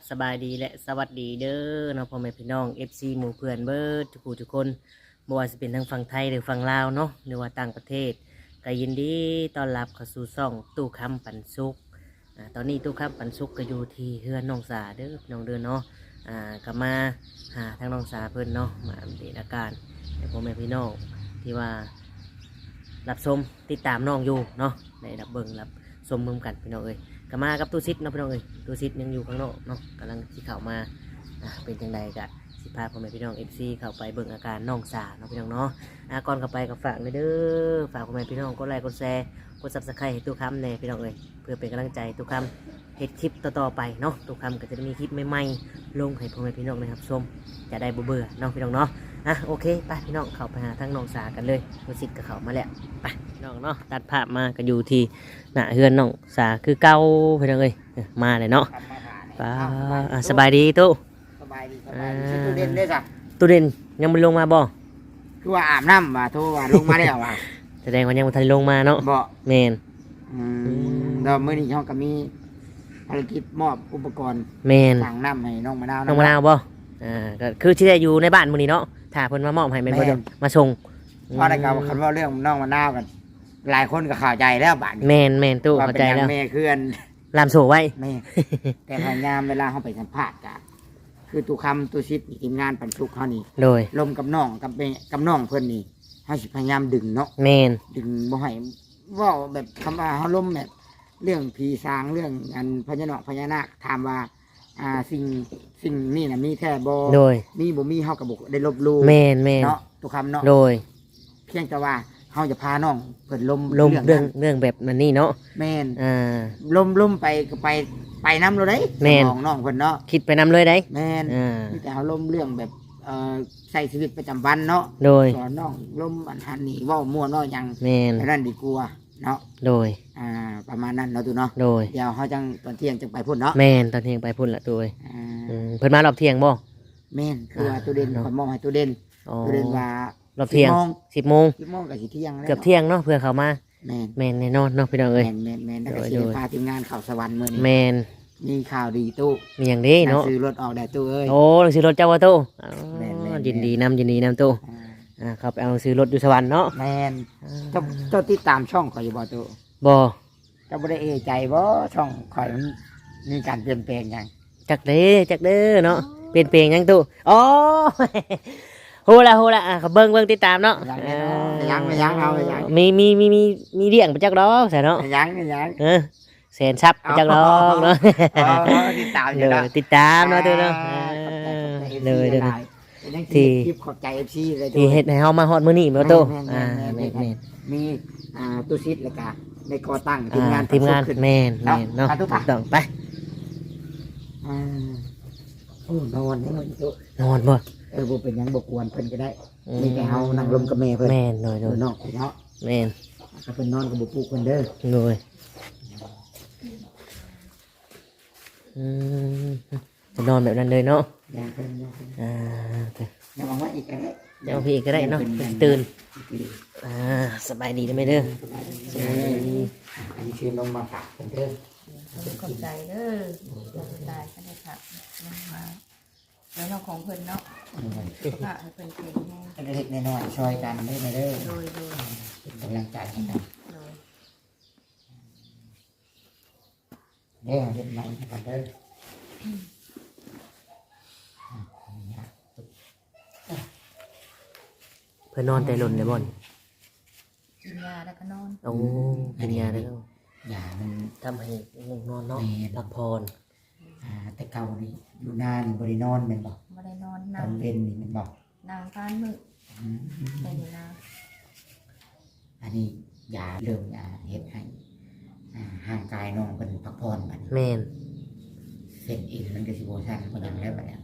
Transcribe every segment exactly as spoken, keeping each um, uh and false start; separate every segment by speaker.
Speaker 1: สบายดีและสวัสดีเด้อน้องพ่อแม่พี่น้อง เอฟ ซี หมู่เพื่อนเบิร์ดทุกผู้ทุกคนบ่ว่าจะเป็นทั้งฝั่งไทยหรือฝั่งลาวเนาะหรือว่าต่างประเทศก็ยินดีต้อนรับเข้าสู่ช่องตู้คำปันสุขอ่าตอนนี้ตู้คำปันสุขก็อยู่ที่เฮือนน้องสาเด้อพี่น้องเด้อเนาะอ่าก็มาหาทางน้องสาเพิ่นเนาะมาอัปเดตอาการให้พ่อแม่พี่น้องที่ว่ารับชมติดตามน้องอยู่เนาะได้รับเบิ่งรับชมมือกันพี่น้องเอ้ยก็มากับตู้ซิดเนาะพี่น้องเอ้ยตู้ซิดยังอยู่ข้างนอกเนาะกำลังที่เข้ามาอ่าเป็นจังใดกะสิพาพ่อแม่พี่น้องเอฟซีเข้าไปเบิ่งอาการน้องสาเนาะพี่น้องเนาะอ่าก่อนเข้าไปก็ฝากเลยเด้อฝากพ่อแม่พี่น้องกดไลค์กดแชร์กดซับสไครต์ให้ตู้คำแน่พี่น้องเอ้ยเพื่อเป็นกำลังใจตู้คำเฮ็ดคลิปต่อๆไปเนาะตู้คำก็จะได้มีคลิปใหม่ๆลงให้พ่อแม่พี่น้องนะครับชมจะได้บ่เบื่อเนาะพี่น้องเนาะอ่ะโอเคไปพี่น้องเข้าไปหาทั้งน้องสากันเลยตู้ซิดก็เข้ามาแล้วไปพี่น้องเนาะตัดภาพมาก็อยู่ที่หน้าเฮือนน้องสาคือเก่าพี่น้องเอ้ยมาเลยเนาะป้าอ่ะสบายดีตู้
Speaker 2: สบายดีสบายดีชื่อตู้เด่นได้จ้ะ
Speaker 1: ตู้เด่นยังไม่ลงมาบ่
Speaker 2: คือว่าอาบน้ำว่าโทรว่าลงมาแล้วว่า
Speaker 1: แสดงว่ายังไม่ทันลงมาเนาะ
Speaker 2: บ่
Speaker 1: แมน
Speaker 2: อืมเราเมื่อนี้เขาก็มีภารกิจมอบอุปกรณ์
Speaker 1: แมน
Speaker 2: สั่งน้ำให้น้องมะนาว
Speaker 1: น้องมะนาวบ่อ่าก็คือที่ได้อยู่ในบ้านมื้อนี้เนาะถ้าเพิ่นมามอบให้แม่นบ่เด้อมาส่ง
Speaker 2: เพราะในการคันว่าเรื่องน้องมะนาวกัน หลายคนก็เข้าใจแล้วบาดนี้
Speaker 1: แมนแมนตู้เข้าใจแล้ว
Speaker 2: ว่าเป็นหยังแม่คืออัน
Speaker 1: ลามโซไว้
Speaker 2: แม่แต่พยายามเวลาเขาไปสัมภาษณ์กันคือตู้คำตู้ชิดทีมงานปันสุกเขานี่
Speaker 1: โดย
Speaker 2: ลมกับน้องกับแม่กับน้องเพิ่นนี่เขาสิพยายามดึงเนาะ
Speaker 1: แมน
Speaker 2: ดึงบ่ให้เว่าแบบคำว่าเขาล้มแบบเรื่องผีสางเรื่องอันพญานาคพญานาคถามว่าอ่าสิ่งสิ่งนี่นะมีแท้บ่
Speaker 1: โดย
Speaker 2: มีบ่มีเฮากับบ่ได้ลบลู่
Speaker 1: แมนแมน
Speaker 2: เนาะทุกคำเนาะ
Speaker 1: โดย
Speaker 2: เพียงแต่ว่าเฮาจะพาน้องเพิ่นล้ม
Speaker 1: ลมเรื่อง
Speaker 2: นั้น
Speaker 1: เรื่องแบบนั้นนี่เนาะ
Speaker 2: แม่น
Speaker 1: อ่า
Speaker 2: ล้มล้มไปก็ไปไปน้ำเราได้
Speaker 1: แม่น
Speaker 2: สมองน้องเพิ่นเนาะ
Speaker 1: คิดไปนำเลยได้
Speaker 2: แม่น
Speaker 1: อ่า
Speaker 2: มีแต่เฮาล้มเรื่องแบบเอ่อใช้ชีวิตประจำวันเนาะ
Speaker 1: โดย
Speaker 2: สอนน้องล้มอันหันนี่เว้ามั่วเนาะหยัง
Speaker 1: แมน
Speaker 2: อันนั้นดีกว่าเนาะ
Speaker 1: โดย
Speaker 2: อ่าประมาณนั้นเนาะตูเนาะ
Speaker 1: โดย
Speaker 2: เดี๋ยวเขาจังตอนเที่ยงจังไปพุ่นเนาะ
Speaker 1: แมนตอนเที่ยงไปพุ่นละตู้เอ้ย
Speaker 2: อ่า
Speaker 1: อืมเพิ่นมารอบเที่ยงบ่
Speaker 2: แม่นคือว่าตัวเด่น
Speaker 1: เนาะ
Speaker 2: ขอมองให้ตัวเด่น
Speaker 1: อ๋อ
Speaker 2: ตัวเด่นว่าร
Speaker 1: อบเที่ยง
Speaker 2: สิบโมง
Speaker 1: สิบโมง
Speaker 2: สิบโมงกับสิเที่ยงแล้ว
Speaker 1: เกือบเที่ยงเนาะเพื่อเขามา
Speaker 2: แม่น
Speaker 1: แมนแน่นอนเนาะพี่น้อง
Speaker 2: แม่
Speaker 1: เอ้ย
Speaker 2: นแม่นแม่นแล้วก็
Speaker 1: โดย
Speaker 2: สิ
Speaker 1: โด
Speaker 2: ได้
Speaker 1: ย
Speaker 2: พาทีมงานเข่าวสวรรค์มื้อนี้
Speaker 1: แมน
Speaker 2: มีข่าวดีตู้
Speaker 1: มีอย่างนี้เนาะ
Speaker 2: ซื้อรถออกได้ตู้เอ้ย
Speaker 1: โอ้หนังสือรถเจ้าวะตู้อ๋อ
Speaker 2: แม่นแม่น
Speaker 1: ยินดีนำยินดีนำตู้
Speaker 2: อ่า
Speaker 1: อ่าเขาไปเอาหนังสือรถอยู่สวรรค์เนาะ
Speaker 2: แม่นเจ้าเจ้าติดตามช่องข่อยอยู่บ่ตู้
Speaker 1: บ่
Speaker 2: เจ้าบ่ได้เอะใจบ่ช่องข่อยมันมีการเปลี่ยนแปลงหยัง
Speaker 1: จักเด้จักเด้อเนาะเปลี่ยนเปลี่ยนยังตู้อ๋อ โหละโหละอ่ะเขาเบิ่งเบิ่งติดตามเนาะ
Speaker 2: ยังไม่เนาะยังไม่ยังเอาไม่ยัง
Speaker 1: มีมีมีมีมีเลี้ยงไปจักดอกใส่เนาะ
Speaker 2: ไม่ยังไม่ยัง
Speaker 1: เออแสนซับไปจักดอกเนาะ
Speaker 2: อ๋อติดตามอ
Speaker 1: เล
Speaker 2: ยู่เนาะ
Speaker 1: ยติดตามเนาะตู้เนาะ
Speaker 2: อ่า
Speaker 1: เออ
Speaker 2: ขอบใจ
Speaker 1: เลย
Speaker 2: เอ
Speaker 1: เด้อ
Speaker 2: ฟ
Speaker 1: เนาะ
Speaker 2: ซี
Speaker 1: ที่
Speaker 2: ที่คลิปขอบใจเอฟซีเลย
Speaker 1: ที่เฮ็ดให้เฮามาฮอดมื้อนี้แม่นบ่ตู้
Speaker 2: แม่น
Speaker 1: อ่า
Speaker 2: แม่น
Speaker 1: แม่น
Speaker 2: แม่
Speaker 1: แม่
Speaker 2: น
Speaker 1: น
Speaker 2: มีอ่าตู้ซิดแล้วก็ในก่อตั้งทีมงาน
Speaker 1: อ่าทีมงาน
Speaker 2: ขึ้น
Speaker 1: แม่นแม่นเนาะ
Speaker 2: เอาทุ
Speaker 1: ถู
Speaker 2: ก
Speaker 1: ก
Speaker 2: ปะ
Speaker 1: ต้องไป
Speaker 2: อ่าโอ้นอนนี่มันตู้
Speaker 1: นอนบ่
Speaker 2: เออบ่เป็นหยังบ่กวนเพิ่นก็ได้
Speaker 1: อืม
Speaker 2: มีแต่เฮานั่งลมกับแม่เพิ่น
Speaker 1: แม่นหน่อย
Speaker 2: เอ
Speaker 1: หน่อ
Speaker 2: อย นอกเนาะ
Speaker 1: แม่น
Speaker 2: ก็เพิ่นนอนกับบ่ปลุกเพิ่นเด้อ
Speaker 1: หน่อยอืมจะนอนแบบนั้นเลยเนาะ
Speaker 2: อย่างเพิ่นอย่างเพิ่น
Speaker 1: อ่าโอเค
Speaker 2: อย่ามาว่าอีกก็ได้
Speaker 1: เดี๋ยวพี่ก็ได้เนาะตื่นอ่าสบายดีได้ไหมเด้อสบายดี
Speaker 2: อันนี้คือลงมาฝากเพิ่นเด้อ
Speaker 3: ขอบใจเด้อได้ได้ก็ได้ค่ะลงมาแล้วเราของเพิ่นเนาะค่ะให้เพิ่นเก่งแน่
Speaker 2: เล็กๆน้อยๆช่วยกันได้ไหมเด้อ
Speaker 3: โดยโดย
Speaker 2: เป็นกำลังใจให้กัน
Speaker 3: โดย
Speaker 2: เด้อเฮ็ดใหม่ให้กันเด้อ
Speaker 1: เพื่อนนอนแต่หล่นเลยบ่อน
Speaker 3: กินยาแล้วก็นอน
Speaker 1: โอ้กินยาได้แล้ว
Speaker 2: อย่ามัน
Speaker 1: ทำให้ง่วงนอนเนาะพักผ่อน
Speaker 2: อ่าแต่เก่านี่อยู่นานบริโนอนแม่นบ่
Speaker 3: ไม่ได้นอน
Speaker 2: ต
Speaker 3: นา
Speaker 2: อน นเป็นนี่แม่นบ่
Speaker 3: นางพานมือ
Speaker 2: อืม
Speaker 3: แต่อยู่นา
Speaker 2: อันนี้ยาเริ่มอ่าเฮ็ดให้อ่าห่างกายน้องเพิ่นพักผ่อนบัดนี้
Speaker 1: แม่น
Speaker 2: เส้นเอ็นมันก็สิบ่ชันบ่หยังแล้วบัดเนี้ย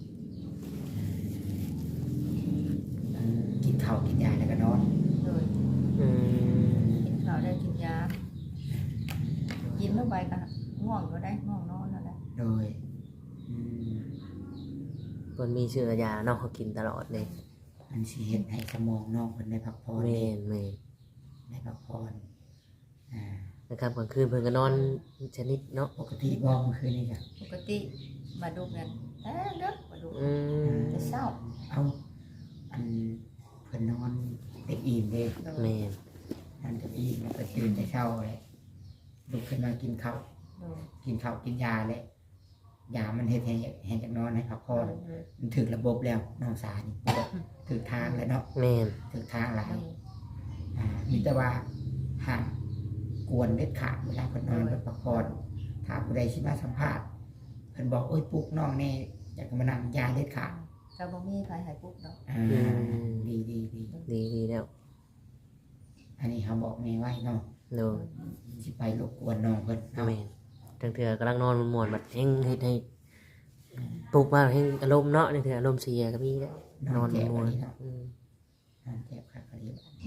Speaker 2: อืมกินข้าวกินยาแล้วก็นอน
Speaker 3: โดย
Speaker 1: อืม
Speaker 3: กินข้าวได้กินยากินเข้าไปก็ง่วงก็ได้ง่วงนอนแล้วได้
Speaker 2: โดยอืม
Speaker 1: เพิ่นมีเชื้อยาเนาะเขากินตลอดเลย
Speaker 2: มันสิเฮ็ดให้สมองน้องเพิ่นได้พักผ่อน
Speaker 1: แม่นแม่น
Speaker 2: ได้พักผ่อนอ่า
Speaker 1: ในนะครับกลางคืนเพิ่นก็นอนชนิดเนาะ
Speaker 2: ปกติบอกเมื่อคืนนี่จ้ะ
Speaker 3: ปกติมาดูกันแต่เด็กมาดู
Speaker 1: อืม
Speaker 3: จะเศร้า
Speaker 2: เอาอันเพิ่นนอนเต็มอิ่มเด้
Speaker 3: โดย
Speaker 1: แม่น
Speaker 2: นอนเต็มอิ่มแล้วก็ตื่นแต่เช้าเลยลุกขึ้นมากินข้าว
Speaker 3: โดย
Speaker 2: กินข้าวกินยาเลยยามันเฮ็ดให้ให้จากนอนให้พักผ่อน
Speaker 3: โดย
Speaker 2: มันถึงระบบแล้วน้องสานี่ถึงทางแล้วเนาะ
Speaker 1: แม่น
Speaker 2: ถึงทางหลาย
Speaker 3: โดย
Speaker 2: อ่ามีแต่ว่าห้ามกวนเด็ดขาดเวลาเพิ่นนอนเพิ่นพักผ่อนถ้าผู้ใดสิมาสัมภาษณ์เพิ่นบอกโอ้ยปลุกน้องแน่อยากจะมานั่งยาเด็ดขาด
Speaker 3: เจ้าบ่มีใครหายปุ๊บเนาะ
Speaker 2: อ่าดีดีดี
Speaker 1: ดีดีแล้ว
Speaker 2: อันนี้เขาบอกแม่ไว้เนาะ
Speaker 1: โดย
Speaker 2: สิไปรบกวนน้องเพิ่นเนาะ
Speaker 1: แม่นจังเถื่อกำลังนอนม่วนๆบัดแฮงเฮ็ดให้ปลุกมาแฮงอารมณ์เนาะจังเถื่ออารมณ์เสียก็มีแล้วน
Speaker 2: น
Speaker 1: อ
Speaker 2: อน
Speaker 1: น
Speaker 2: เจ็บ
Speaker 1: ม่ว
Speaker 2: อัน
Speaker 1: น
Speaker 2: นี้เนาะ
Speaker 1: อืม
Speaker 2: นอนเจ็บครับอันนี้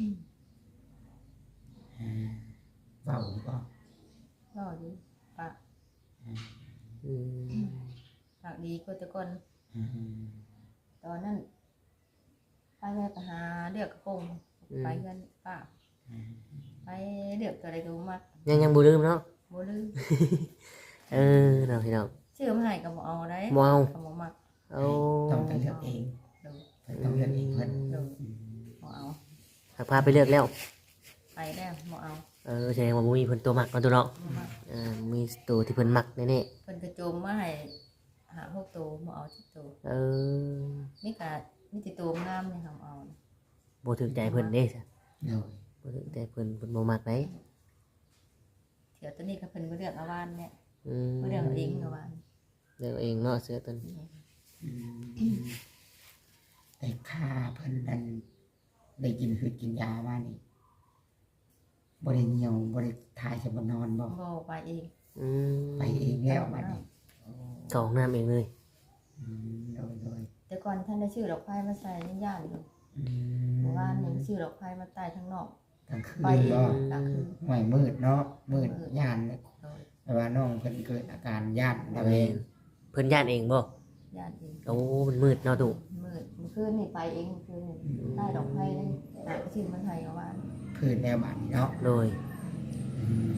Speaker 2: อ่าเบาหรือเปล่า
Speaker 3: ก็ดีปาก
Speaker 1: อืม
Speaker 3: ปากดีก็แต่ก่อน
Speaker 2: อืม
Speaker 3: ตอนนั้นไปแม่ไปหาเลือกกระโปรงไปกันป้า
Speaker 2: อืม
Speaker 3: ไปเลือกตัวใดก็บ่มัก
Speaker 1: ยังยังบ่ลืมเนาะ
Speaker 3: บ่ลืม
Speaker 1: เออเนาะพี่น้อง
Speaker 3: ชื่อมาให้ก็บ่เอาได้
Speaker 1: บ่เอา
Speaker 3: ก็บ่มัก
Speaker 1: เอา
Speaker 2: ต้องไปเลือกเอง
Speaker 3: โดย
Speaker 2: เพิ่นต้องเลือกเองเพิ่น
Speaker 3: โดย
Speaker 2: อืม
Speaker 3: บ่เอา
Speaker 1: หากพาไปเลือกแล้ว
Speaker 3: ไปแล้วบ่เอา
Speaker 1: เออแสดงว่าบ่มีเพิ่นตัวมักเนาะตัวเนาะ
Speaker 3: บ่มัก
Speaker 1: อ่ามีตัวที่เพิ่นมักแน่
Speaker 3: เพิ่นกระโจมมาให้หาพวกโตบ่เอาทุกโต
Speaker 1: ๆเออ
Speaker 3: มีกะมีแต่โตงามนี่ทำเอานะ
Speaker 1: บ่ถึกใจเพิ่นเด้ซะ
Speaker 2: โดย
Speaker 1: บ่ถึกใจเพิ่นเพิ่นบ่มักได
Speaker 3: เดี๋ยวตัวนี้ก็เพิ่นบ่เลือกเอาวานเนี่ย
Speaker 1: อืม
Speaker 3: บ่เลือกเอาเองเอาวาน
Speaker 1: เลือกเองเนาะเสื้อตัวนี้
Speaker 2: อืมแต่ค่าเพิ่นนั้นได้กินคือกินยามานี่บ่ได้เหนียวบ่ได้ทายจะบ่นอนบ่
Speaker 3: บ่ไปเอง
Speaker 1: อืม
Speaker 2: ไปเองแล้วบัดนี้
Speaker 1: เข้าห้องน้ำเองเลย
Speaker 2: อืมโดยโดย
Speaker 3: แต่ก่อนท่านได้ชื่อดอกไม้มาใส่ยังย่านอยู่
Speaker 2: อื
Speaker 3: เมื่อ
Speaker 2: ม
Speaker 3: วานนี่ชื่อดอกไม้มาใต้ทั้งนอก
Speaker 2: กลางคืน
Speaker 3: ไปเอง
Speaker 2: บ่
Speaker 3: กลางคืน
Speaker 2: ห่วยมืดเนาะมืดย่านเนี่ย
Speaker 3: โดย
Speaker 2: แต่ว่าน้องเพิ่นเกิดอาการย่านระแวง
Speaker 1: เพิ่นย่านเองบ่
Speaker 3: ย่านเอง
Speaker 1: โอ้มันมืดเนาะตุ
Speaker 3: มืดเมื่อคืนนี่ไปเองเมื่อคืนนี่ใต้ดอกไม้นี่หาชื่อมันให้เอาวาน
Speaker 2: พื้นแนวบ้านนี่เนาะ
Speaker 1: โดย
Speaker 2: อืม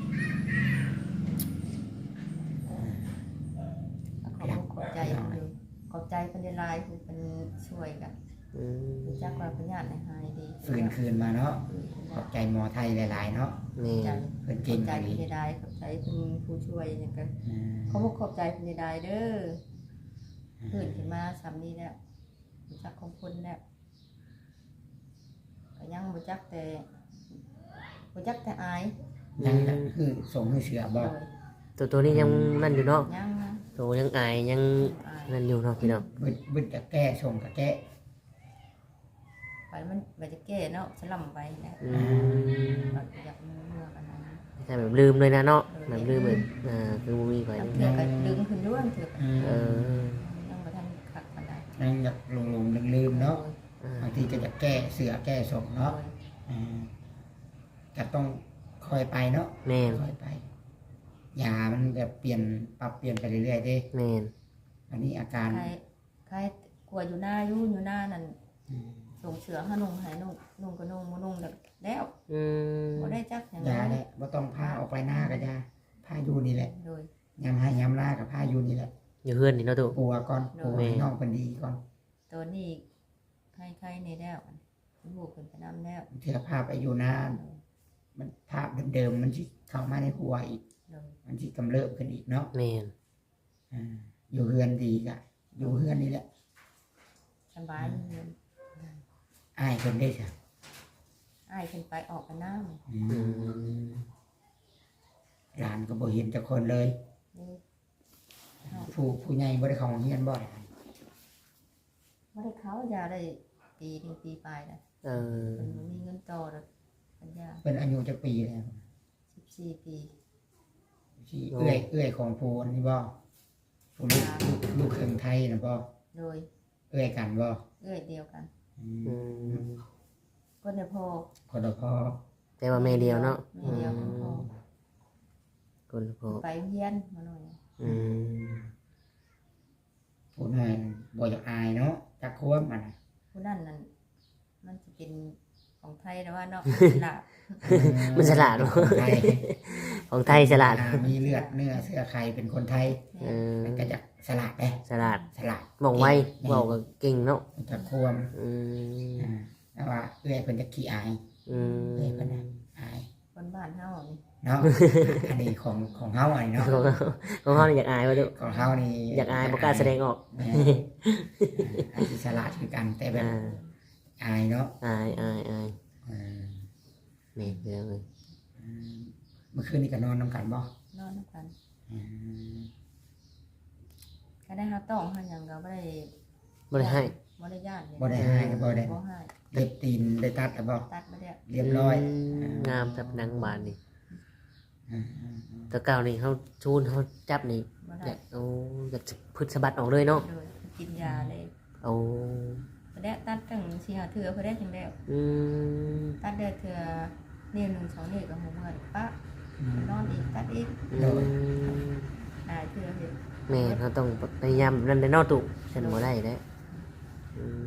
Speaker 3: ก็ขอบคุณขอบใจอยู่ขอบใจเพิ่นได้หลายคือเพิ่นช่วยกัน
Speaker 1: อืม
Speaker 3: รู้จักว่าเพิ่นญาติให้หายดี
Speaker 2: ฟื้นคืนมาเนาะ
Speaker 3: ฟื้นขึ้น
Speaker 2: ข
Speaker 3: ได้
Speaker 2: อบใจหมอไทยหลายๆเนาะ
Speaker 1: นี่
Speaker 3: ใจ
Speaker 2: เพิ่น
Speaker 3: ข
Speaker 2: เก่
Speaker 3: อง บใจ
Speaker 2: ดี
Speaker 3: เพิ่นได้ขอบใจเพิ่นผู้ช่วยเนี่ยก็
Speaker 2: อืม
Speaker 3: ขอบคุณขอบใจเพิ่นได้เด้อฟื้นขึ้นมาซ้ำนี้แล้วรู้จักของคนแล้วก็ยังบ่จักแต่บ่จักแต่อาย
Speaker 2: ยังนั่นคือส่งให้เสือบ่
Speaker 3: โดย
Speaker 1: ตัวตัวนี้ยังนั่นอยู่เนาะ
Speaker 3: ยังนะ
Speaker 1: ตัวยังอายยัง
Speaker 3: อาย
Speaker 1: นั่นอยู่เนาะพี่น้อง
Speaker 2: บึดบึดจะแก้ส่งกับแก้
Speaker 3: ไปมันบ่จะแก้เนาะสลัมไปแล้ว
Speaker 1: อืม
Speaker 3: บัดอยากมือเมื่อกันนั้น
Speaker 1: แต่แบบลืมเลยนะเนาะแบบลืมเลยอ่าคือบ่มีไผ
Speaker 3: ทำเถื่อก็ดึงขึ้นด้วยเถื่อ
Speaker 2: อืม
Speaker 1: เออ
Speaker 3: ยังบ่ทันคักปานใด
Speaker 2: ยังอยากลงๆลืมๆเนาะ
Speaker 1: อ่า
Speaker 2: บางทีก็จะแก้เสือแก้ส่ง
Speaker 3: โด
Speaker 2: เนาะ
Speaker 3: ย
Speaker 2: อ่าก็ต้องคอยไปเนาะ
Speaker 1: แม่น
Speaker 2: คอยไปยามันแบบเปลี่ยนปรับเปลี่ยนไปเรื่อยๆเด้
Speaker 1: แม่น
Speaker 2: อันนี้อาการ
Speaker 3: ใครใครกลัวอยู่หน้าอยู่อยู่หน้านั่น
Speaker 2: อืม
Speaker 3: ส่งเสือให้นุ่งให้นุ่งนุ่งก็นุ่งบ่นุ่งแล้วแล้ว
Speaker 1: อืม
Speaker 3: บ่ได้จักอย่าง
Speaker 2: ยา
Speaker 3: นั้น
Speaker 2: แหละว่าต้องพาออกไปหน้าก็ยาพาอยู่นี่แหละ
Speaker 3: โดย
Speaker 2: ยำให้ยำหน้ากับพาอยู่นี่แหละ
Speaker 1: อยู่เพื่อนนี่เนาะตุ
Speaker 2: ปัวก่อน
Speaker 3: โดย
Speaker 2: ปัวให้น้องเป็นดีก่อน
Speaker 3: ตัวนี้ใครๆนี่แล้วลูกขึ้นไปนำแล้ว
Speaker 2: เถื่อภาพไปอยู่หน้ามันภาพเดิมๆมันที่เข้ามาในหัวอีก
Speaker 3: โดย
Speaker 2: มันที่กำเริบขึ้นอีกเนาะ
Speaker 1: แม่น
Speaker 2: อ่าอยู่เฮือนดีกะอยู่เฮือนนี่แหละ
Speaker 3: สบายเงิน
Speaker 2: อ้ายคนได้จ้ะ
Speaker 3: อ้ายขึ้นไปออกกันน้ำ
Speaker 2: อื
Speaker 1: อื
Speaker 2: ม
Speaker 1: ม
Speaker 2: หลานก็บ่เห็นจักคนเลย
Speaker 3: นี่
Speaker 2: ผู้ผู้ใหญ่บ่ได้เข้าโรงเรียนบ่ได้
Speaker 3: บ่ได้เขายาได้ปีหนึงปีปลายแล้ว
Speaker 1: เออ
Speaker 3: เพิ่นบ่มีเงินต่อดอกปัญญา
Speaker 2: เป็นอายุจักปีแล้ว
Speaker 3: สิบสี่ปี
Speaker 2: ที่เอื้อยเอื้อยของผู้อันนี้บ่ผู้ลูกลูกลูกครึ่งไทยน่ะบ่
Speaker 3: โดย
Speaker 2: เอื้อยกันบ่
Speaker 3: เอื้อยเดียวกัน
Speaker 2: อื
Speaker 1: อื
Speaker 2: ม
Speaker 1: ม
Speaker 3: ก็ได้พอ
Speaker 2: คนละพ่อ
Speaker 1: แต่ว่าแม่เดียวเนาะ
Speaker 3: แม่เดียวกันพอ
Speaker 1: คนละพ่อ
Speaker 3: ไปเฮียนมาหน่อย
Speaker 1: อืม
Speaker 2: ผู้น้อยบ่อยากอายเนาะจักควบมันน่ะ
Speaker 3: ผู้นั่นนั่นมันจะเป็นพของไทยแต่ว่าเนาะหลับ
Speaker 1: มันฉลาดเนาะ
Speaker 2: คนไทย
Speaker 1: ของไทยฉลาด
Speaker 2: อ่มีเลือดเนื้อเสื้อไข่เป็นคนไทย
Speaker 1: เออ
Speaker 2: มันก็จะฉลาดเลย
Speaker 1: ฉลาด
Speaker 2: ฉลาด
Speaker 1: บอกไวบอกก็เก่งเนาะ
Speaker 2: มันจะควม
Speaker 1: อืม
Speaker 2: อ่าแต่ว่าเอื้อยเพิ่นจะขี้อาย
Speaker 1: อืม
Speaker 2: เอื้อยเพิ่นน่ะอาย
Speaker 3: คนบ้านเฮานี่
Speaker 2: เนาะ อันนี้ของของเฮาอันนี้เนาะ
Speaker 1: ของเขาของเขานี่อยากอายว่าดู
Speaker 2: ของเฮานี่
Speaker 1: อยากอายบ่กล้าแสดงออก
Speaker 2: แม่อาจจะฉลาดคือกันแต่แบบ
Speaker 1: อ่า
Speaker 2: อายเนาะ
Speaker 1: อายอายอาย
Speaker 2: อ่า
Speaker 1: นี่เรื่องเลย
Speaker 2: อืมเมื่อคืนนี้ก็นอนน้ำกันบ่
Speaker 3: นอนด้วยกัน
Speaker 2: อืม
Speaker 3: ก็ได้เฮาต้องเฮาหยังก็บ่ได้
Speaker 1: บ่ได้ให้
Speaker 3: บ่ได้ญาติเลย
Speaker 2: บ่ได้ให้บ่ได้
Speaker 3: บ่ให้
Speaker 2: เล็บตีนได้ตัดแล้วบ่
Speaker 3: ตัดบ่ได้
Speaker 2: เรียบร้อย
Speaker 1: มงามแบบหนังบานนี่
Speaker 2: อืมอืมอืม
Speaker 1: แตะเก่านี่เขาชูนเขาจับนี่
Speaker 3: บ่
Speaker 1: อ
Speaker 3: ได้
Speaker 1: ยากเอาอยากจะพืชสะบัดออกเลยเนาะ
Speaker 3: โดยกินยาเลย
Speaker 1: เอา
Speaker 3: บ่ได้ตัดตั้งสี่ห้าเทื่อบ่ได้จังได๋
Speaker 1: อืม
Speaker 3: ตัดได้เทื่อนิ้วหนึ่งสองนิ้วก็หูเมื่อยปะ
Speaker 2: อืม
Speaker 3: นอนอีกตัดอีก
Speaker 1: อืม
Speaker 3: ได้เทื่อเฮ็ด
Speaker 1: แม่เขาต้องพยายามนั่นได้เนอตุฉันบ่ได้ได้อืม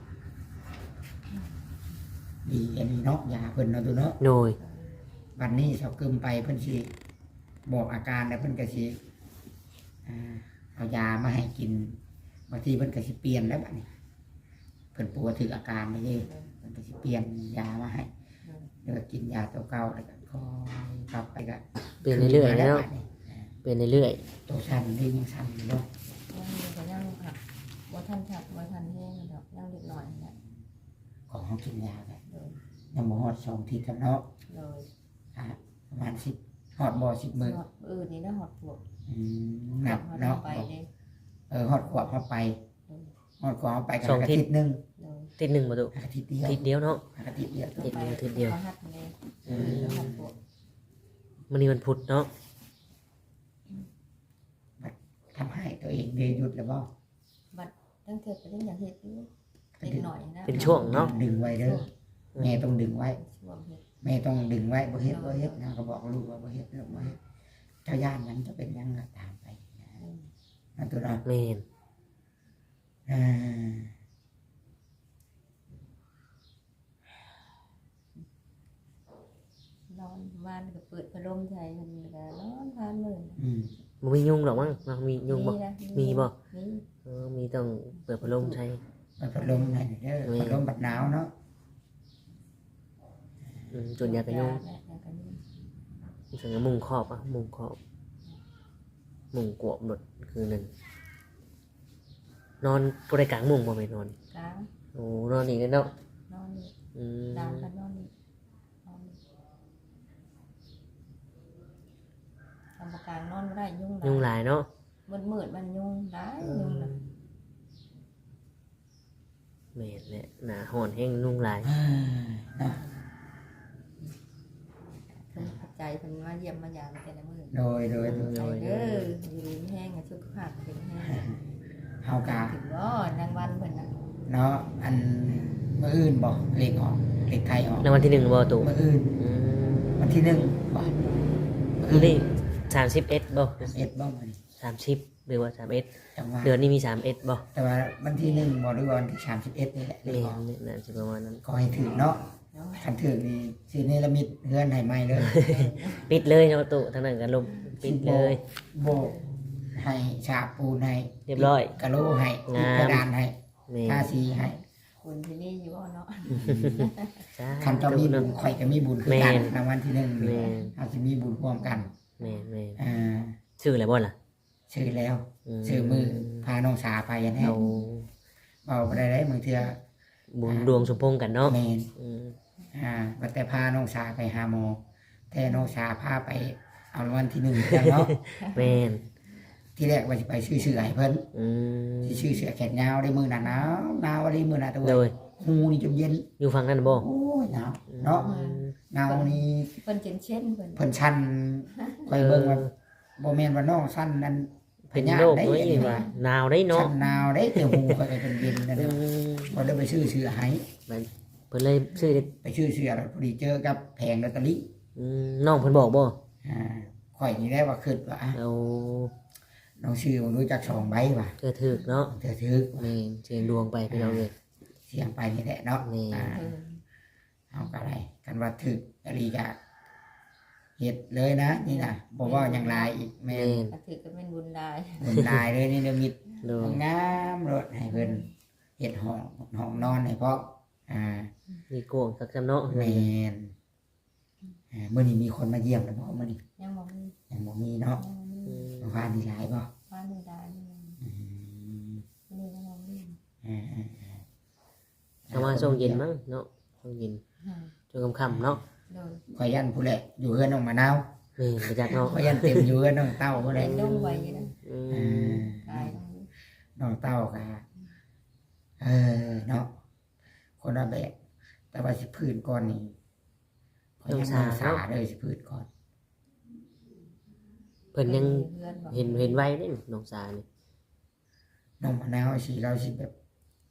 Speaker 2: ดีอันนี้เนาะยาเพิ่นเนาะตัวเนาะ
Speaker 1: โดย
Speaker 2: วันนี้เสากึมไปเพิ่นสิบอกอาการแล้วเพิ่นก็สิอ่าเอายามาให้กินบางทีเพิ่นก็สิเปลี่ยนแล้วบัดนี้เพิ่นปวดถึงอาการนี่เพิ่นก็สิเปลี่ยนยามาให้แล้วก็กินยาตัวเก่าแล้วก็คอยกลับไปก็
Speaker 1: เปลี่ยนเรื่อยๆ
Speaker 2: แล้
Speaker 1: เนาะ
Speaker 2: บัดนี้
Speaker 1: เปลี่ยนเรื่อย
Speaker 2: ตัวสั่นนี่ยังสั่นอยู่เนาะ
Speaker 3: ยังมีก็ยังค่ะบ่ทันชักบ่ทันแห้งดอกยังเล็กน้อยนะ
Speaker 2: ของเขากินยาไป
Speaker 3: โดย
Speaker 2: ยังบ่ฮอดสองทีกับเนาะ
Speaker 3: โดย
Speaker 2: อ่าประมาณสิบฮอดบ่สิบมื้อ
Speaker 3: หอดอื่นนี่นะหอดพวก
Speaker 2: อืมหนักเนาะ
Speaker 3: ไปเลย
Speaker 2: เออฮอดขวบเข้าไปฮอดขวบเข้าไปกับ
Speaker 1: สอง
Speaker 2: อา
Speaker 1: ทิศ
Speaker 2: ทิตย์หนึง
Speaker 3: โดย
Speaker 1: ๆทิศหนึ่งมาตุ
Speaker 2: อาทิตย์เดียว
Speaker 1: ทิศเดียวเนาะ
Speaker 2: อาทิตย์เดียว
Speaker 1: ทิศเดียวทิศเดียว
Speaker 3: ขาหัดเลย
Speaker 1: อืม
Speaker 3: แล้วหอดพวก
Speaker 1: มันนี่วันพุธเนาะ
Speaker 2: ทำให้ตัวเองได้หยุดแล้วบ่
Speaker 3: บัดตั้งเกิดไปเรื่องอย่างเฮ็ดอยู่เล็กหน่อยนะ
Speaker 1: เป็นช่วงเนาะ
Speaker 2: ดึงไว้เด้อแม่ต้องดึงไว้
Speaker 3: ช่วงเฮ็ด
Speaker 2: แม่ต้องดึงไว้บ่เฮ็ดบ่เฮ็ดนะก็บอกลูกว่าบ่เฮ็ดเด้อบ่เฮ็ดเจ้าย่านหยังจะเป็นหยังก็ตามไปนะนั่นตัวเนาะ
Speaker 1: เมน
Speaker 2: อ่า
Speaker 3: นอนบ้านก็เปิดพัดลมใส่มันก็นอนทานมื้อ
Speaker 2: อืม
Speaker 1: มันมียุงหรอกมั้งมันมียุงบ่
Speaker 3: นะ
Speaker 1: มีบ่
Speaker 3: มี
Speaker 1: เออมีต้องเปิดพัดลมใช้
Speaker 2: เปิดพัดลมให้เด้อ
Speaker 1: มี
Speaker 2: พัดลมบัดหนาวเนาะ
Speaker 1: อืมจนยากันยุง
Speaker 3: ยาแม่ยากันยุง
Speaker 1: ส่วนมุงครอบอ่ะมุงครอบมุงกวบหมดคือหนึ่งนอนบริกลางมุงบ่ไม่นอน
Speaker 3: กลาง
Speaker 1: โอ้นอนอีกแล้วเนาะ
Speaker 3: นอนนี่
Speaker 1: อืม
Speaker 3: ดามกันนอนนี่นอนนี่ทำประการนอนบ่ได้ยุ่ง
Speaker 1: ยุงหลายเนาะ
Speaker 3: มืดมืดๆมันยุ่งได้ยุ่งนะ
Speaker 1: แม่นแหละหนาหอนแห้งยุงหลาย
Speaker 2: อ่าเนาะ
Speaker 3: เพิ่นเข้าใจเพิ่นมาเยี่ยมมายามแต่ละมื้อ
Speaker 2: โดยโดยโดย
Speaker 3: ใจเด้ออยู่ดีมีแห้งอะสุขภาพเป็นแห้ง
Speaker 2: เฮากะ
Speaker 3: ถึงบ่นางวันเพิ่นน่ะ
Speaker 2: เนาะอันมื้ออื่นบ่เลขออกเลขไทยออก
Speaker 1: ในวันที่หนึ่งบ่ตู่
Speaker 2: มื้ออื่น
Speaker 1: อืม
Speaker 2: วันที่หนึ่งบ่
Speaker 1: คือนี่สามสิบเอ็ดบ่
Speaker 2: เอ็ดบ่มื้อนี้
Speaker 1: สามสิบหรือว่าสามเอ็ด
Speaker 2: จังว่า
Speaker 1: เดือนนี้มีสามเอ็ดบ่
Speaker 2: แต่ว่าวันที่หนึ่งบ่หรือว่าวันที่สามสิบเอ็ดนี่แหละเล
Speaker 1: แม่
Speaker 2: ขออก
Speaker 1: นน่าจะประมาณนั้น
Speaker 2: ก็ให้ถือเนาะ
Speaker 3: เนาะ
Speaker 2: คันถือนี่สิเนรมิตเฮือนให้ใหม่เลย
Speaker 1: ปิดเลยเนาะตู่ทางนั้นกันลมปิดเลย
Speaker 2: โบกให้ฉาบปูนให้
Speaker 1: เรียบร้อย
Speaker 2: กะโหลให้
Speaker 1: งาม
Speaker 2: กระดานให้
Speaker 1: แม่
Speaker 2: ทาสีให้
Speaker 3: คุณที่นี่อยู่บ่เนาะ
Speaker 1: จ้า
Speaker 2: คันเจ้ามีบุญข่อยก็มีบุญคือกัน
Speaker 1: แม่น
Speaker 2: รางวัลที่หนึ่ง
Speaker 1: แม่น
Speaker 2: เราจะมีบุญร่วมกัน
Speaker 1: แม่นแม่น
Speaker 2: อ่า
Speaker 1: ชื่ออะไรบ่ล่ะ
Speaker 2: ชื่อแล้วชื่อมือพาน้องสาไปอันนี้
Speaker 1: เอา
Speaker 2: เบาไปได้ได้บางเทื่อ
Speaker 1: บุญดวงสมพงษ์กันเนาะ
Speaker 2: แมน
Speaker 1: อืม
Speaker 2: อ่าบัดแต่พาน้องสาไปหาหมอแต่น้องสาพาไปเอารางวัลที่หนึ่งกันเนาะ
Speaker 1: แม่น
Speaker 2: ที่แรกว่าจะไปชื่อเสือให้เพิ่น
Speaker 1: อืม
Speaker 2: ที่ชื่อเสือแขนยาวได้มือหนาหนาวหนาวอะไรมือหนาตัว
Speaker 1: โดย
Speaker 2: หูนี่จนเย็น
Speaker 1: อยู่ฝั่งนั้นบ่
Speaker 2: โอ้ยหนาวเนาะ
Speaker 1: อืม
Speaker 2: หนาวนี่
Speaker 3: เพิ่นเจนเช่นเพิ่น
Speaker 2: เพิ่นชันคอยเบิ่งว่าบ่แม่นว่าน้องสั้นนั้น
Speaker 1: เป็นโรคน้อยอีกว่าหนาวได้เนาะ
Speaker 2: ชันหนาวได้แต่หูคอยก็เป็นเย็นนั่น
Speaker 1: อื
Speaker 2: แหละ
Speaker 1: ม
Speaker 2: พอได้ไปชื่อเสือให้
Speaker 1: มันเพิ่นเลยชื่อได้
Speaker 2: ไปชื่อเสือแล้วพอดีเจอกับแผงลอตเตอรี่
Speaker 1: อืมน้องเพิ่นบอกบ่
Speaker 2: อ่าข่อยนี่ได้ว่าคิดว่าอ่ะ
Speaker 1: เอา
Speaker 2: น้องชื่อมันรู้จักสองใบว่ะ
Speaker 1: เธอถึกเนาะ
Speaker 2: เธอถือ
Speaker 1: แม่นเสียงดวงไปพี่น้องเอ้ย
Speaker 2: เสียงไปนี่แหละเนาะ
Speaker 1: นี่
Speaker 2: อ่า
Speaker 3: เออ
Speaker 2: เอาก็ได้กันว่าถึกอรีกะเฮ็ดเลยนะนี่นะบ่ว่าอย่างไรอีกแม่
Speaker 1: แม่น
Speaker 3: ก็ถือก็เป็นบุญได้
Speaker 2: บุญหลายเลยนี่เดมิด
Speaker 1: โดย
Speaker 2: งามรถให้เพิ่นเฮ็ดห้องห้องนอนให้พร้อมอ่า
Speaker 1: มีโกงสักจำเนาะ
Speaker 2: แม่นอ่ามื้อนี้มีคนมาเยี่ยมแล้วบ่มื้อนี้
Speaker 3: ยังบ่มี
Speaker 2: ยังบ่มีเนาะ
Speaker 3: ยังบ่มี
Speaker 1: อืม
Speaker 2: เมื่อวานนี้หลายบ่
Speaker 3: ว่านี่ได้นี่
Speaker 2: อืม
Speaker 3: นี่ยังบ่มี
Speaker 2: อ่าอ่าอ่า
Speaker 1: ประมาณช่วงเย็นมั้งเนาะช่วงเย็น
Speaker 3: อืม
Speaker 1: ช่วงค่ำๆเนาะ
Speaker 3: โดย
Speaker 2: ข่อยยันผู้แหละอยู่เฮือนน้องมะนาว
Speaker 1: แม่นไปจักเนาะ
Speaker 2: ข่อยยันเต็มอยู่เฮือนน้องเต้าผู้แห
Speaker 3: เป็
Speaker 2: ละ
Speaker 3: นดงไว้อยู่นะ
Speaker 1: อื
Speaker 2: อ่
Speaker 1: มา
Speaker 3: กายตรงนี้
Speaker 2: น้องเต้าก็เออเนาะคนละแบบแต่ว่าสิพื้นก่อนนี่ข่อยยังน้องสาเลยสิพื้นก่อน
Speaker 1: เพิ่นยัง
Speaker 3: เพื่อนบอก
Speaker 1: เห็นเห็นไว้เด้น้องสานี่
Speaker 2: น้องมะนาวสิเราสิแบบ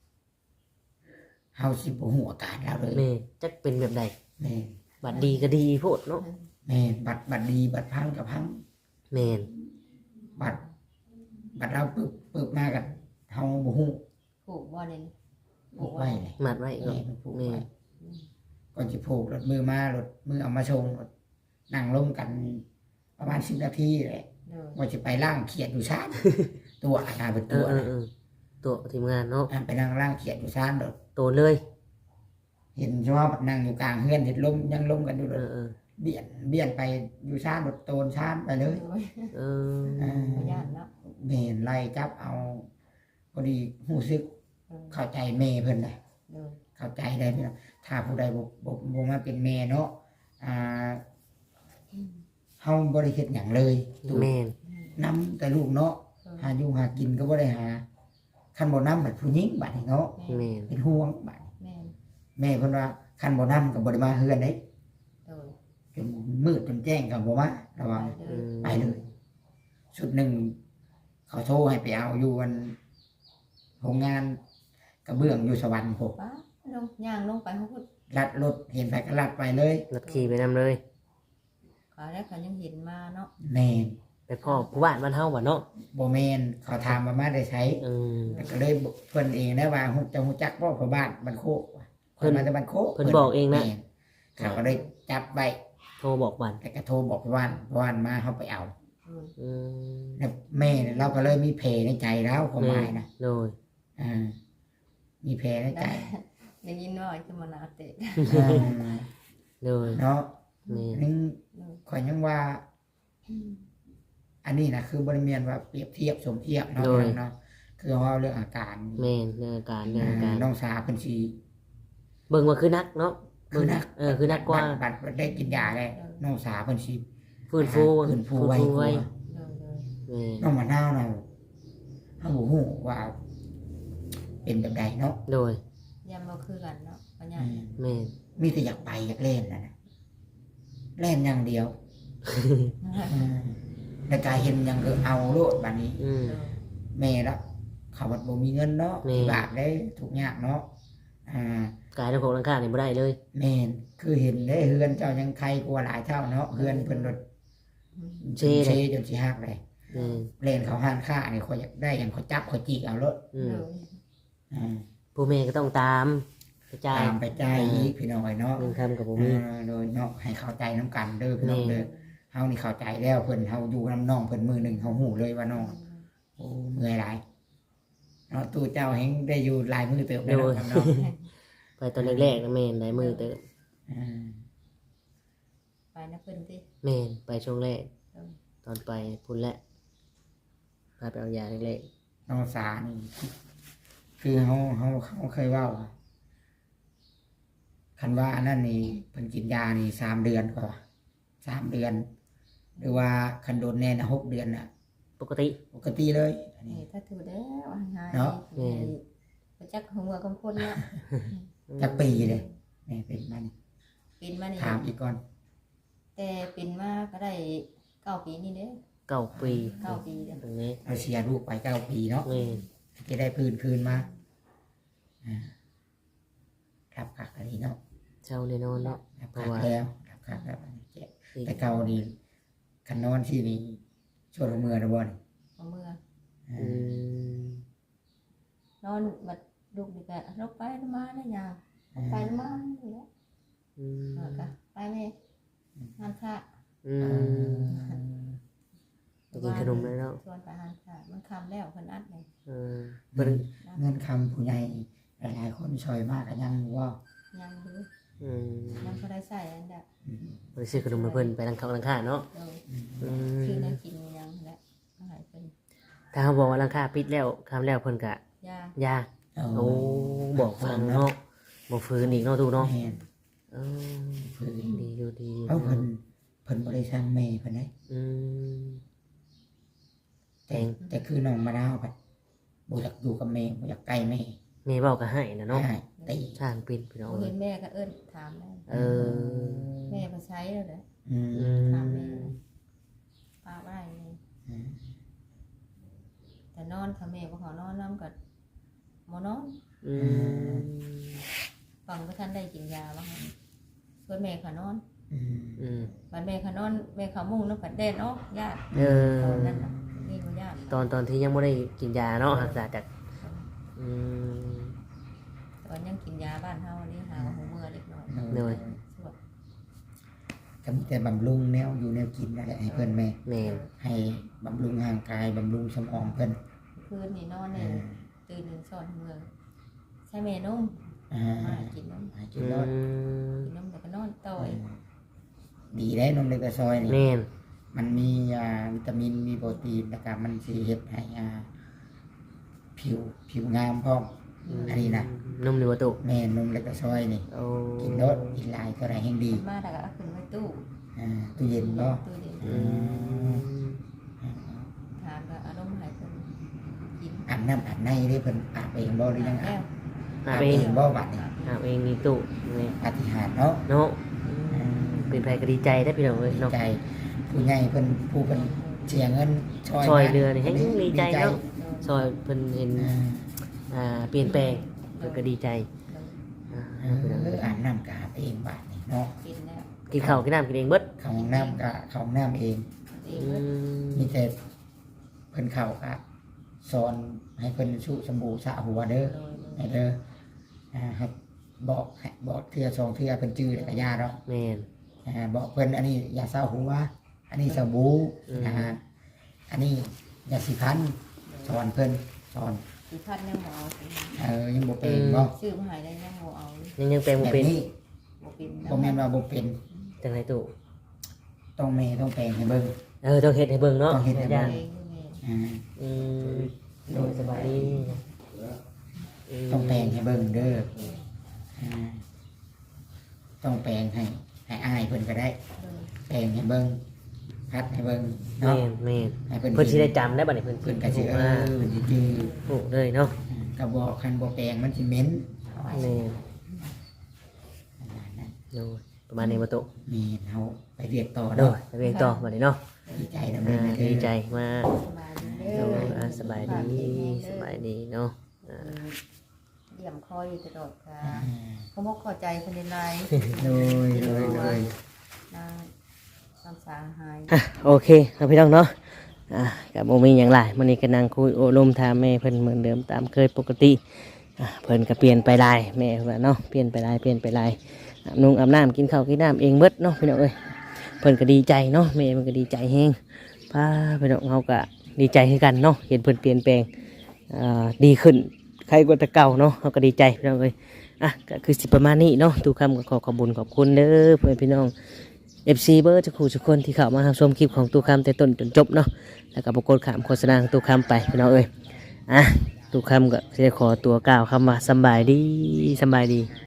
Speaker 2: เฮาสิบ่ฮู้อาการเราเลย
Speaker 1: แม่จักเป็นแบบใด
Speaker 2: แม่น
Speaker 1: บัดดีก็ดีโพดเนาะ
Speaker 2: แม่นบัตรบัตรดีบัตรพังกับพัง
Speaker 1: แม่น
Speaker 2: บัตรบัตรเราปึบปึบมากับเฮาบ่ฮู้
Speaker 3: ผูกบ่เนี่ย
Speaker 2: ผูกไว้เลย
Speaker 1: มัดไว้ก็
Speaker 2: แม่มันผูก
Speaker 1: แม่
Speaker 2: ไว้ก่อนสิผูกรถมือมารถมือเอามาชงรถนั่งลงกันประมาณสิบนาทีแหละ
Speaker 3: โดย
Speaker 2: ว่าจะไปล่างเขียดอยู่ชาน ตัวอาณาเป็น
Speaker 1: เอ
Speaker 2: ตัว
Speaker 1: อเออ
Speaker 2: นะ
Speaker 1: เออตัวทีมงานเนาะ
Speaker 2: อ่ะไปนั่งล่างเขียดอยู่ชานรถ
Speaker 1: ตัวเลย
Speaker 2: เห็นชอบนั่งอยู่กลางเฮือนเห็นลมยังลมกันอยู่เล
Speaker 1: เอย อเออ
Speaker 2: เบี่ยนเบี่ยนไปอยู่ชานรถโตนชานไปเลย
Speaker 3: โดย
Speaker 1: เออ
Speaker 2: อ่า
Speaker 3: บ่ญาติเนาะ
Speaker 2: เมนไล่จับเอาพอดีหูซึก
Speaker 3: เออ
Speaker 2: เข้าใจแม่เพิ่นเลย
Speaker 3: โดย
Speaker 2: เข้าใจได้พี่น้องถ้าผู้ใดบ่บ่บ่มาเป็นแม่เนาะอ่าเฮาบ่ได้เฮ็ดหยังเลยถูก
Speaker 1: แม่น
Speaker 2: นํแต่ลูกเนาะ
Speaker 3: เออ
Speaker 2: หาอยู่หากินก็บ่ได้หาคันบ่นำบัดผู้หญิงบัดนี้เนาะ
Speaker 1: แม่น
Speaker 2: เป็นห่วงบัด
Speaker 3: แม่น
Speaker 2: แม่เพิ่นว่าคันบ่นำก็บ่ได้มาเฮือนเด้
Speaker 3: โดย
Speaker 2: จนมืดจนแจ้งก็บ่มาระ
Speaker 3: ไป
Speaker 2: วัง
Speaker 3: เล
Speaker 1: อื
Speaker 3: ย
Speaker 1: ม
Speaker 2: ไปเลยชุดหนึ่งเขาโทรให้ไปเอาอยู่วันโรงงานกระเบื้องอยู่สวรรค์พวก
Speaker 3: ป้าลงย่างลงไปเขาพูด
Speaker 2: ลัดรถเห็นไปก็ลัดไปเลย
Speaker 1: รถขี่ไปนำเลย
Speaker 3: ขาแล้วเขายังเห็นมาเนาะ
Speaker 2: แมน
Speaker 1: ไปพ่อผู้บ้านบ้านเฮาบ่เนาะ
Speaker 2: โบแมนเขาถามมามาได้ใช้
Speaker 1: อืม
Speaker 2: แต่ก็เลยบอกเพิ่นเองนะว่าฮู้จะฮู้จักพ่อพ่อบ้านบันโคกว่ะ
Speaker 1: เพิ่
Speaker 2: เพิ่น
Speaker 1: น
Speaker 2: มาจากบันโคก
Speaker 1: เพิ่นบอกเองนะ
Speaker 2: แม่เขาก็เลยจับไว้
Speaker 1: โทรบอกบ้าน
Speaker 2: แต่ก็โทรบอกพ่อบ้านพ่อบ้านมาเขาไปเอา
Speaker 3: อืม
Speaker 1: อืม
Speaker 2: แล้วแม่เนี่ยเราก็เลยมีเพในใจแล้วความหมายนะ
Speaker 1: โดย
Speaker 2: อ่ามีเพในใจ
Speaker 3: ได้ยินว่าจะมานาเตะ
Speaker 2: อ่า
Speaker 1: โดย
Speaker 2: เนาะ
Speaker 1: แม่น
Speaker 2: นึง
Speaker 3: โดย
Speaker 2: ข่อยยังว่า อันนี้นะคือบริเวณว่าเปรียบเทียบสมเทียบเนาะเนาะคือเราเรื่องอาการ
Speaker 1: แม่นเรื่องอาการเรื่องอา
Speaker 2: อ่า
Speaker 1: การ
Speaker 2: น้องสาวเป็นชี
Speaker 1: เบิ่งว่าคือนักเนาะ
Speaker 2: คือนัก
Speaker 1: เออคือนักกว่า
Speaker 2: บัตรบัตรได้กินยาได้น้องสาวเป็นชี
Speaker 1: ฟื้นฟู
Speaker 2: ฟื้นฟูไว้
Speaker 1: ไว้
Speaker 3: โดยโดย
Speaker 1: แม่น
Speaker 2: น้องมะนาวน่ะเขาบอกหูว่า เป็นแบบใดเนาะ
Speaker 1: โดย
Speaker 3: ยามเราคือกันเนาะปัญญา
Speaker 2: อืม
Speaker 1: แม่น
Speaker 2: มีแต่อยากไปอยากเล่นนะนะเล่นอย่างเดียวอืมแต่กายเห็นอย่างคือเอาโลดบัดนี้
Speaker 1: อืม
Speaker 2: แม่ละเขาบัดบ่มีเงินเนาะ
Speaker 1: แม่
Speaker 2: บาทได้ทุกอย่างเนาะอ่า
Speaker 1: กายทั้งของทั้งข้างนี่บ่ได้เลย
Speaker 2: แม่นคือเห็นได้เฮือนเจ้ายังใครกลัวหลายเท่าเนาะเฮือนเพิ่นรถ
Speaker 1: เช่
Speaker 2: เช
Speaker 1: เลย
Speaker 2: จนสิหักเลย
Speaker 1: แม่น
Speaker 2: เล่นเขาห้านค่านี่เขาอยากได้อย่างเขาจับเขาจีกเอารถ
Speaker 1: อืม
Speaker 3: โดย
Speaker 2: อ่า
Speaker 1: ผู้แม่ก็ต้องตามกระจาย
Speaker 2: ตามไปจ่ายอีกพี่น้อยเนาะ
Speaker 1: เงินคำกับบ่มี
Speaker 2: อ่าโดยเนาะให้เข้าใจน้ำกันเด้อพี่น้อง
Speaker 1: แม่
Speaker 2: เด้อเฮานี่เข้าใจแล้วเพิ่นเฮาอยู่นํน้องเพิ่นมือหนึ่งเฮาหูเลยว่าน้องโอ้เมื่อยหลายเนาะตู้เจ้าแฮงได้อยู่หลายมือเติบได้เนาะครับเนาะ
Speaker 1: ไปตอนแรกๆนะแม่นได้มือเติบ
Speaker 2: อ่า
Speaker 3: ไปนะเพิ่นติ
Speaker 1: แม่นไปช่วงแรก
Speaker 3: เออ
Speaker 1: ตอนไปพุ่นแหละพาไปเอายาเล็ก
Speaker 2: น้องสานี่คือเฮาเฮาเขาเคยเว้าว่าคันว่าอันนั้นนี่เพิ่นกินยานี่สามเดือนกว่าสามเดือน หรือว่าคันโดนแน่น่ะหกเดือนน่ะ
Speaker 1: ๆปกติ
Speaker 2: ปกติเลยอัน
Speaker 3: นี่
Speaker 2: นี้
Speaker 3: ถ้าถือแล้วหาย
Speaker 2: เนาะ
Speaker 1: แม่น
Speaker 3: บ่จักหัวกำคนเนาะ
Speaker 2: จักปีเลยนี่เป็นมัน
Speaker 3: ปินมานี่
Speaker 2: ถามอีกก่อน
Speaker 3: แต่ปินมาก็ได้เก้าปีนี่เด้อ
Speaker 1: เก้าปี
Speaker 3: เก้าปีเด้อ
Speaker 1: ตรงนี้
Speaker 2: เอาเชียร์ลูกไปเก้าปีเนาะ
Speaker 1: แม่น
Speaker 2: จะได้พื้นคืนมาอ่าครับคักอันนี้เนาะ
Speaker 1: เช่าแน่นอนเนาะ
Speaker 2: ครับ
Speaker 1: เพราะ
Speaker 2: คัก
Speaker 1: ว่า
Speaker 2: แล้วครับคักแล้วอันนี้เจ๊
Speaker 1: อีก
Speaker 2: แต่เก่านี่คันนอนที่นี่ช่วงมือนะบอล
Speaker 3: เอาเมื่อ
Speaker 1: อืม
Speaker 3: นอนบัดลูกนี่ก็ลกไปลงมาได้ยางไปลงมาอยู่แล้ว
Speaker 1: อืม
Speaker 3: แล้วก็ไปแม่ห้านค้า
Speaker 1: อืมไปกินขนมเลยเนาะ
Speaker 3: ชวนไปห้านค้ามันคำแล้วเพิ่นอัดเลย
Speaker 1: เออ
Speaker 2: เงิ
Speaker 1: เพิ่น
Speaker 2: นเงินคำผู้ใหญ่หลายๆคนช่วยมากก็ยังว่า
Speaker 3: ยังดู
Speaker 1: อืม
Speaker 3: ยังบ่ได้ใส่อันเด้อ
Speaker 2: อืม
Speaker 1: ไปซื้อขนมให้เพิ่นไปทางเขาทางข้าเนาะ
Speaker 3: เออ
Speaker 1: อืม
Speaker 3: คือได้กินยังแหละมาให้เพิ่น
Speaker 1: ถ้าเขาบอกว่าราคาปิดแล้วคำแล้วเพิ่นก็
Speaker 3: ยา
Speaker 1: ยา
Speaker 2: เอา
Speaker 1: โอ้บอกฟังเนาะบ่ฟื้นอีกเนาะตูเนาะ
Speaker 2: แม่น
Speaker 1: เออ
Speaker 2: ฝืน
Speaker 1: ดีอยู่ดีอยู่
Speaker 2: เอาเพิ่นเพิ่นบ่ได้สร้างแม่เพิ่นได้
Speaker 1: อืม
Speaker 2: แต่แต่คือน้องมะนาวแบบบ่อยากอยู่กับแม่บ่อยากใกล้แม่
Speaker 1: แม่เว้าก็ให้นะเนาะ
Speaker 2: ให้ตี
Speaker 1: ช่างปิดพี่น้อง
Speaker 3: บ่เห็นแม่ก็เอิ้นถามแม่
Speaker 1: เออ
Speaker 3: แม่มาใช้แล้วเด้อ
Speaker 2: อืม
Speaker 1: อื
Speaker 3: ถาม
Speaker 1: ม
Speaker 3: แม่ป้าบ่ได้เลย
Speaker 2: อืม
Speaker 3: แต่นอนค่ะแม่บ่ขอนอนนำก็บ่นอน
Speaker 1: อืม
Speaker 3: ฟังบ่ทันได้กินยาบ่ค่ะส่วนแม่ขอนอน
Speaker 2: อืม
Speaker 1: อืม
Speaker 3: บัดแม่ขอนอนแม่เขามุ่งนำกัดแดนออกญาติ
Speaker 1: เออ
Speaker 3: ตอนนั้นน่ะนี่บ่ญาติ
Speaker 1: ตอนตอนที่ยังไม่ได้กินยาเนาะรักษาจากอืม
Speaker 3: ตอนยังกินยาบ้านเฮานี่หาว่าหูเมื่อเล็กน้อย
Speaker 1: เหนื่อย
Speaker 3: สวด
Speaker 2: ก็มีแต่บำรุงแนวอยู่แนวกินนั่นแหละให้เพิ่นแม่
Speaker 1: แม่น
Speaker 2: ให้บำรุงร่างกายบำรุงสมองเพิ่น
Speaker 3: คืนนี่นอน
Speaker 2: เอ
Speaker 3: นี่
Speaker 2: อ
Speaker 3: ตื่นหนึ่งสอนเมื่อใช่แม่นุ่ม
Speaker 2: อ่า
Speaker 3: มากินนม
Speaker 2: ให้กิ
Speaker 1: อื
Speaker 2: นรอด
Speaker 1: ม
Speaker 3: กินนมแล้วก็นอนต่อย
Speaker 2: ดีได้นมเล็กกระซอยนี่
Speaker 1: แม่น
Speaker 2: มันมีอ่าวิตามินมีโปรตีนนะครับมันสิเฮ็ดให้อ่าผิวผิวงามพร้อม อันนี้นะ
Speaker 1: นุ่มหรือว่าตุ
Speaker 2: แม่นมเล็กกระซอยนี่
Speaker 1: โอ้
Speaker 2: กินรสกินหลายเท่าไหร่แห่งดี
Speaker 3: มาแล้วก็เอาขึ้นไว้ตู้
Speaker 2: อ่าตู้เย็นบ่
Speaker 3: ตู้เย็น
Speaker 1: อืม
Speaker 3: ถามก็เอานมให้เพิ่นกิน
Speaker 2: อาบน้ำอาบในได้เพิ่นอาบเองบ่หรือยังอา
Speaker 3: แล้
Speaker 2: บ
Speaker 3: ว
Speaker 1: หา
Speaker 2: อาบ
Speaker 1: เอ
Speaker 2: เอง งบ่บัดนี้
Speaker 1: หาเองมีตุนี่
Speaker 2: ปาฏิหาริย์เนาะ
Speaker 1: เนาะเป็นแพรก็ดีใจได้พี่น้องเอ้ย
Speaker 2: ดี
Speaker 1: เนาะ
Speaker 2: ใจผู้ใหญ่เพิ่นผู้เพิ่นเสียเงินช่วย
Speaker 1: ช่วย
Speaker 2: มา
Speaker 1: เรือนี่ให้ดีใจเนาะ
Speaker 3: เออ
Speaker 1: ซอยเพิ่นเห็น
Speaker 2: อ่า
Speaker 1: อ่าเปลี่ยนแปลงเพิ่นก็ดีใจอ่า
Speaker 2: เอ
Speaker 1: พี่น้อง
Speaker 2: อ
Speaker 1: เอ้ย
Speaker 2: อาบน้ำกอาบเองบัดนี้เนาะ
Speaker 3: กินแล้ว
Speaker 1: กินข้าวกินน้ำกินเองเบิด
Speaker 2: เข้าห้องน้ำก็เข้าห้องน้ำเอง
Speaker 3: เอ
Speaker 1: อื
Speaker 3: งเบิด
Speaker 1: ม
Speaker 2: มีแต่เพิ่นเข้าก็สอนให้เพิ่นชุสบู่สระหัวเด้อ
Speaker 3: โดย
Speaker 2: ให้เด้ออ่าครับบอกให้บอกเทื่อสองเทื่อเพิ่นจื้อแล้วก็ยาเนาะ
Speaker 1: แม่น
Speaker 2: อ่าบอกเพิ่นอันนี้ยาเศร้าหัวอันนี้สบู่
Speaker 1: อืม
Speaker 2: นะฮะอันนี้ยาสีฟันสอนเพิ่นสอน
Speaker 3: สิพัดยังบ่เอาสิ
Speaker 2: เออยังบ่เป็นบ่
Speaker 3: ซื้อมาให้ได้ยังบ่เอาเลย
Speaker 1: ยังยังแปลง
Speaker 2: แบ
Speaker 1: บ่
Speaker 2: บ
Speaker 1: เป็น
Speaker 2: นี้
Speaker 3: บ่เป็น
Speaker 2: บ่แม่นว่าบ่เป็น
Speaker 1: จังไรตุ
Speaker 2: ต้องแม่ต้องแปลงให้เบิ่ง
Speaker 1: เออต้องเฮ็ดให้เบิ่งเนาะ
Speaker 2: ต้องเฮ็ดให้เบิ่
Speaker 1: ย่าง
Speaker 3: เองนี่แม่
Speaker 2: อ่า
Speaker 1: อืมโดยสบายดีม
Speaker 2: ต้องแปลงให้เบิ่งเด้ออ่าต้องแปลงให้ให้อายเพิ่นก็ได้
Speaker 3: เออ
Speaker 2: แปลงให้เบิ่งพัดให้เบิ่ง
Speaker 1: แม่
Speaker 2: เนาะ
Speaker 1: นแม่น
Speaker 2: ให้เพิ่น
Speaker 1: เพิ่นสิได้จำได้บัดนี้เพิ่น
Speaker 2: เพิ่นก็
Speaker 1: สิ
Speaker 2: สิเอ
Speaker 1: มา
Speaker 2: อเพิ่นสิจื้อ
Speaker 1: โอ้เลยเนาะ
Speaker 2: ก็บอกคันบ่แปลงมันสิเหม็น
Speaker 1: แม่นโดยประมาณนี้บ่ตุ
Speaker 2: มีเฮาไปเรียกต่อ
Speaker 1: โด
Speaker 2: เนาะ
Speaker 1: ยไปเรียนต่อบัดนี้เนาะ
Speaker 2: ดีใจนำ
Speaker 1: อ่า
Speaker 2: เด้อ
Speaker 1: ดีใจมาก
Speaker 3: สบายดีเด้
Speaker 1: โด
Speaker 3: อย
Speaker 1: อ่าสบายดีสบายดีเนาะอ่า
Speaker 3: เยี่ยมคอยอยู่ตลอดค่ะ
Speaker 2: อ่า
Speaker 3: เขาบอกเข้าใจคนในไลน์
Speaker 2: โดยโดยโดย
Speaker 3: นางสามสาหาย
Speaker 1: อ่ะโอเคครับพี่น้องเนาะอ่ะกับโมมีอย่างไรมันนี้ก็นั่งคุยโอลมถามแม่เพิ่นเหมือนเดิมตามเคยปกติอ่ะเพิ่นก็เปลี่ยนไปหลายแม่ว่าเนาะเปลี่ยนไปหลายเปลี่ยนไปหลายอาบนุ่งอาบน้ำกินข้าวกินน้ำเองเบิดเนาะพี่น้องเอ้ยเพิ่นก็ดีใจเนาะแม่มันก็ดีใจแฮงพาพี่น้องเฮาก็ดีใจคือกันเนาะเห็นเพิ่นเปลี่ยนแปลงอ่าดีขึ้นใครกว่าแต่เก่าเนาะเฮาก็ดีใจพี่น้องเอ้ยอ่ะก็คือสิประมาณนี้เนาะทุกคำก็ขอขอบคุญขอบคุณเด้อเพื่อนพี่น้อง เอฟ ซี เบอร์จะคู่ทุกคนที่เข้ามารับชมคลิปของตู้คำแต่ต้นจนจบเนาะแล้วก็ปรากฏขามโฆษณาของตู้คำไปพี่น้องเอ้ยอ่ะตู้คำก็จะขอตัวกล่าวคำว่าสำบายดีสำบายดี